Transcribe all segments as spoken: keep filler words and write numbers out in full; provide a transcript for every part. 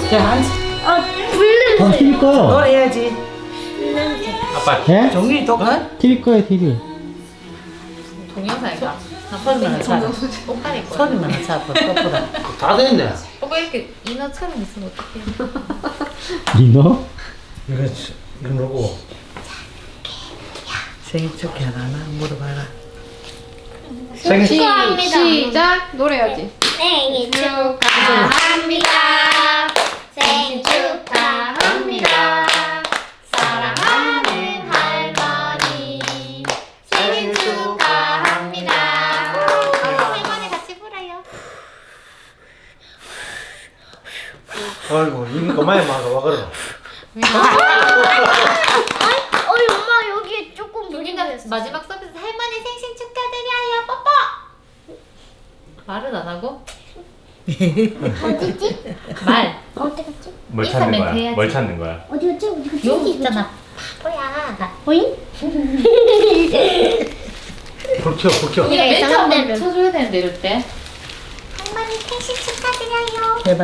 자, 한 아, 불냄새. 어, 티비 꺼요. 노래해야지. 아빠 예? 종이 독한? 티비 꺼요, 티비. 동영상이다. 손만 차. 오빠 내 거야. 손만 차. 뽀뽀라. 다 됐네. 오빠 이렇게 인어처럼 있으면 어떡해. 니너? 이거 이거 놓고. 생일 축하하나 물어봐라. 생일 축하합니다. 시작. 노래야지. 생일 축하합니다. 생일 축하합니다. 사랑하는 할머니 생일 축하합니다. 할머니 같이 불어요. 아이고 이거 그만해 마. 와 그래. 어이 엄마 여기 조금 우리가 물이 마지막 서비스 할머니 생신 축하드려요. 뽀뽀. 말은 안 하고? 어디지? 말. 어디 갔지? 뭘 인사 찾는 멘트 거야? 해야지. 뭘 찾는 거야? 어디 갔지? 어디 갔지? 여기 있잖아. 바보야. 어이? 불 켜, 불 켜. 우리가 네, 멘트 한번 사람들은. 쳐줘야 되는데 이럴 때. 할머니 생신 축하드려요. 해봐.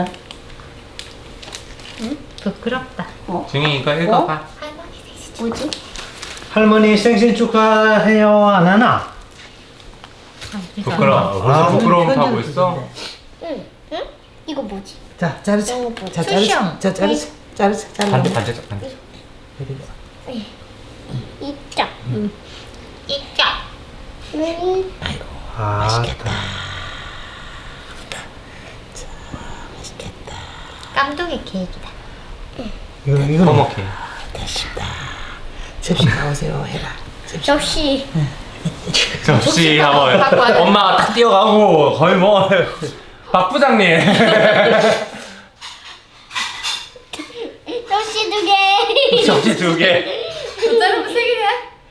부끄럽다. 증인 이거 읽어봐. 할머니 생신 축하. 뭐지? 할머니 생신 축하해요 안 하나? 부끄러워. 벌써 아, 부끄러움 편지를 타고 있어? 주는데. 응. 응? 이거 뭐지? 자, 자르자. 자, 자르자. 쿠션. 자, 자르자. 자르자. 잘라. 반대 반대쪽 반대. 이쪽. 있죠. 음. 아, 맛있겠다. 깜둥이 케이크다. 이거 이거 허먹해. 접시 나오세요. 해라. 접시. 접시 갖고 와야 하고 돼. 엄마가 딱 뛰어가고 거의 뭐 박 부장님. 접시 두 개. 접시 두 개. 두 자르면 세 개야?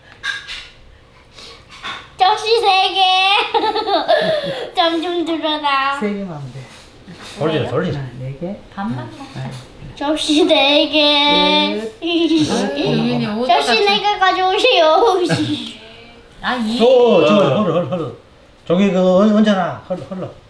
접시 세 개. 점 좀 들어라. 세 개만 하면 돼. 돌리자 돌리자. 하나, 네 개. 반만 먹자. 접시 네 개. 유민이 오늘 접시 네 개 가져오세요. 아 이. 오, 저 헐러 헐러 헐러. 저기 그 언제나 헐러 헐러.